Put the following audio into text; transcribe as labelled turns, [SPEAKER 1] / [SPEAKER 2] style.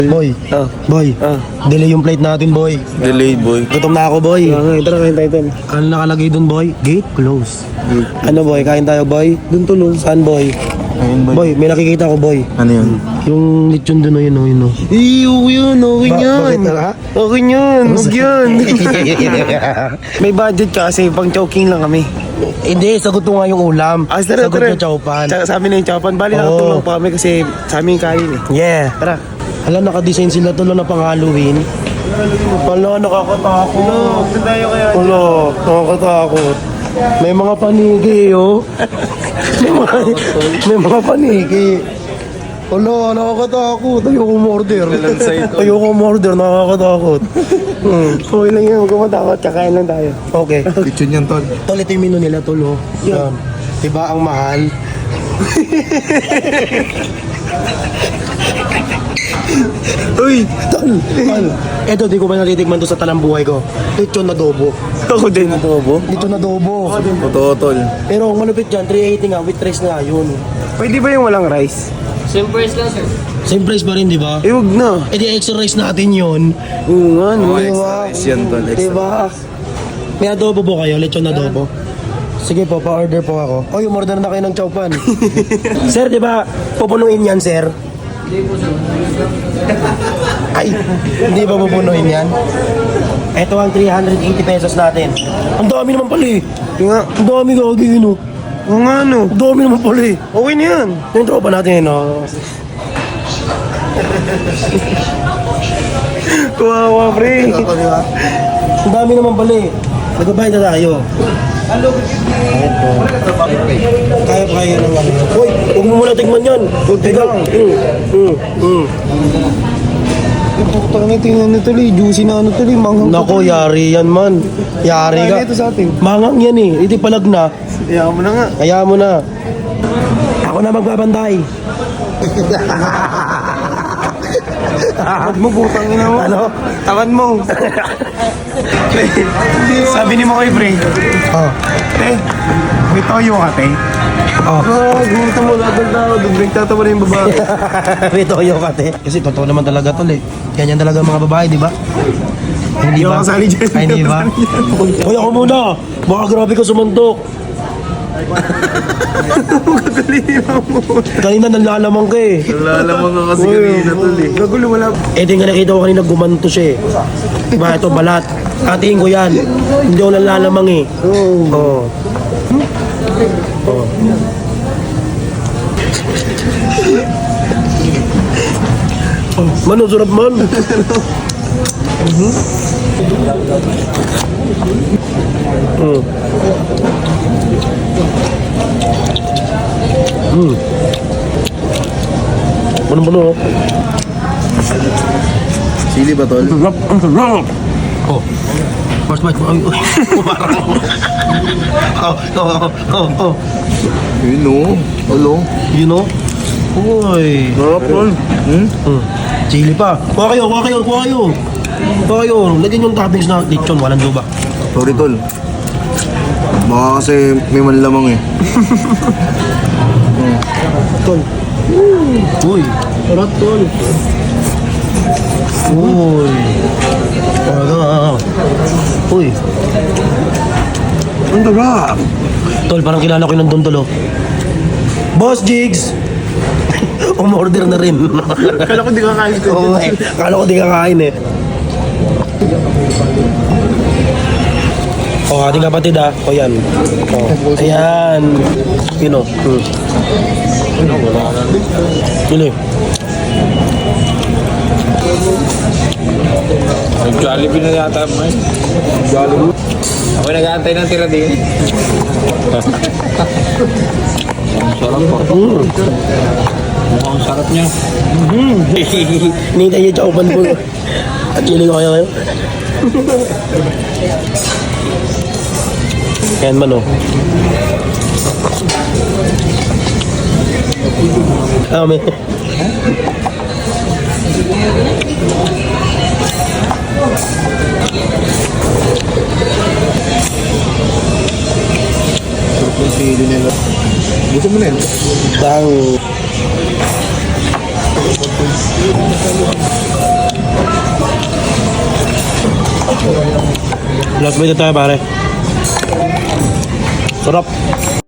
[SPEAKER 1] Boy, boy, delay yung plate natin, boy.
[SPEAKER 2] Delayed, boy.
[SPEAKER 1] Gutom na ako, boy.
[SPEAKER 3] Tara, kain tayo dun.
[SPEAKER 1] Ano nakalagay dun, boy? Gate close. Ano, boy? Kain tayo, boy? Dun tulo. Saan, boy?
[SPEAKER 2] Ayun, boy.
[SPEAKER 1] Boy, may nakikita ko, boy.
[SPEAKER 2] Ano yun?
[SPEAKER 1] Yung lechon dun, yun, yun.
[SPEAKER 3] Okay yun.
[SPEAKER 1] Bakit, ha?
[SPEAKER 3] Okay yun. Huwag yun. May budget ka kasi pang choking lang kami.
[SPEAKER 1] Hindi, sagot ko nga yung ulam. Sagot yung chowpan.
[SPEAKER 3] Tsaka sabi na yung chowpan. Bali
[SPEAKER 1] Oo.
[SPEAKER 3] nakatulong pa kami kasi sa amin yung kain eh.
[SPEAKER 1] Yeah.
[SPEAKER 3] Tara.
[SPEAKER 1] Hala, nakadesign sila tulo na pang Halloween. Hala, nakakatakot.
[SPEAKER 3] Saan tayo kaya?
[SPEAKER 1] Hala, nakakatakot. May mga panigi, oh. may mga panigi. Hala, nakakatakot. Ayoko umorder. Ayoko umorder, nakakatakot.
[SPEAKER 3] Okay lang yun. Huwag ka matakot. Kakain lang tayo.
[SPEAKER 1] Okay.
[SPEAKER 2] Kitchen yan, tol.
[SPEAKER 1] Tol, ito yung menu nila, tol, oh. Yan. Diba ang mahal?
[SPEAKER 3] Uy!
[SPEAKER 1] Tol, tol. Eto, di ko pa natitikman to sa talang buhay ko. Lechon na adobo.
[SPEAKER 3] Ako din.
[SPEAKER 2] Adobo?
[SPEAKER 1] Lechon na adobo.
[SPEAKER 2] Totoo, tol.
[SPEAKER 1] Pero ang malupit dyan, 380 nga, with rice na yun.
[SPEAKER 3] Pwede ba yung walang rice?
[SPEAKER 1] Same price pa rin, di ba?
[SPEAKER 3] Eh, huwag na.
[SPEAKER 1] Eh di extra rice natin yun.
[SPEAKER 3] Oo nga, no.
[SPEAKER 2] Oh, extra rice yan, tol. Extra.
[SPEAKER 1] Diba? May adobo po kayo, lechon na adobo. Sige po, pa-order po ako. Oy, umorder na kayo ng chowpan. Sir, di ba pupunuin yan, sir? Hindi po, sir. Ay, hindi ba pupunuin yan? Ito ang 380 pesos natin. Ang dami naman pala eh.
[SPEAKER 3] Nga.
[SPEAKER 1] Ang dami gagawin, no?
[SPEAKER 3] Oo nga, no.
[SPEAKER 1] Ang dami naman pala eh.
[SPEAKER 3] Okay na yan.
[SPEAKER 1] Yung tropa natin, no?
[SPEAKER 3] Kawawa, pre.
[SPEAKER 1] Ang dami naman pala eh. Nagbabayad na tayo. Kaya pa kaya ng ano. Uy, huwag mo muna tigman yan.
[SPEAKER 3] Teka. Putang ito yung ano tuloy. Juicy na ano tuloy. Manghang.
[SPEAKER 1] Nako, yari yan man. Yari ka.
[SPEAKER 3] Kaya ito sa atin.
[SPEAKER 1] Mangang yan eh. Iti palag na.
[SPEAKER 3] Kaya mo na nga.
[SPEAKER 1] Kaya mo na. Ako na magbabantay.
[SPEAKER 3] Huwag mo, putang ina mo.
[SPEAKER 1] Ano?
[SPEAKER 3] Tawan mo. Pre, sabi ni mo kay pre.
[SPEAKER 1] Oh.
[SPEAKER 3] Te, may toyo ka, te.
[SPEAKER 1] Oh.
[SPEAKER 3] Gusto mo lahat ng tao. Biglang tatawa na yung babae.
[SPEAKER 1] May toyo ka, te. Kasi totoo naman talaga tol eh. Ganyan talaga mga babae, di ba? Hindi
[SPEAKER 3] Hindi
[SPEAKER 1] ba?
[SPEAKER 3] ako kasali dyan.
[SPEAKER 1] Ay, hindi ba? Hoy, ako muna. Baka grabe ka sumuntok. Kanina nanlalamang ka eh.
[SPEAKER 2] Nalalamang ka kasi kanina, tol eh.
[SPEAKER 3] Gagulo, wala.
[SPEAKER 1] Eh, di nga nakita ko kanina gumanto siya eh. Diba, ito balat. Katiin ko yan. Hindi ako nanlalamang eh. Oo. Oh. Mano, sarap man. Ano?
[SPEAKER 2] Sili ba, tol?
[SPEAKER 1] Sarap, ang sarap. Oh. First bite. Ay, umarang. Oh.
[SPEAKER 2] Yun, no. Hello.
[SPEAKER 1] You know? Uy.
[SPEAKER 2] Sarap, tol.
[SPEAKER 1] Chili pa. Kuha kayo. Lagyan yung toppings na lechon. Walang luba.
[SPEAKER 2] Sorry, tol. Baka kasi may manlamang eh.
[SPEAKER 1] Tol. Uy. Sarap, tol. Uy. Uy.
[SPEAKER 2] Ang sarap.
[SPEAKER 1] Tol, parang kilala ko yung nandun, tol, oh. Boss Jigs! Umorder na rin.
[SPEAKER 3] Kala ko di ka kain ko.
[SPEAKER 1] Oo, eh. Akala ko di kakain eh. Oh, ating kapatid ah. O yan. Oh. Ayan. Yun o. Yun eh.
[SPEAKER 4] Jollibee na yata mo eh. Jollibee. Ako nag-aantay ng tira din. Ang sarap po. Mukhang sarap niya.
[SPEAKER 1] Nintay niya chowpan po. At chili ko kayo. Yan man o. Ah, may...
[SPEAKER 2] Yung sili nila. Gusto mo na yun?
[SPEAKER 1] Dang. Last bite na tayo pare. Sarap.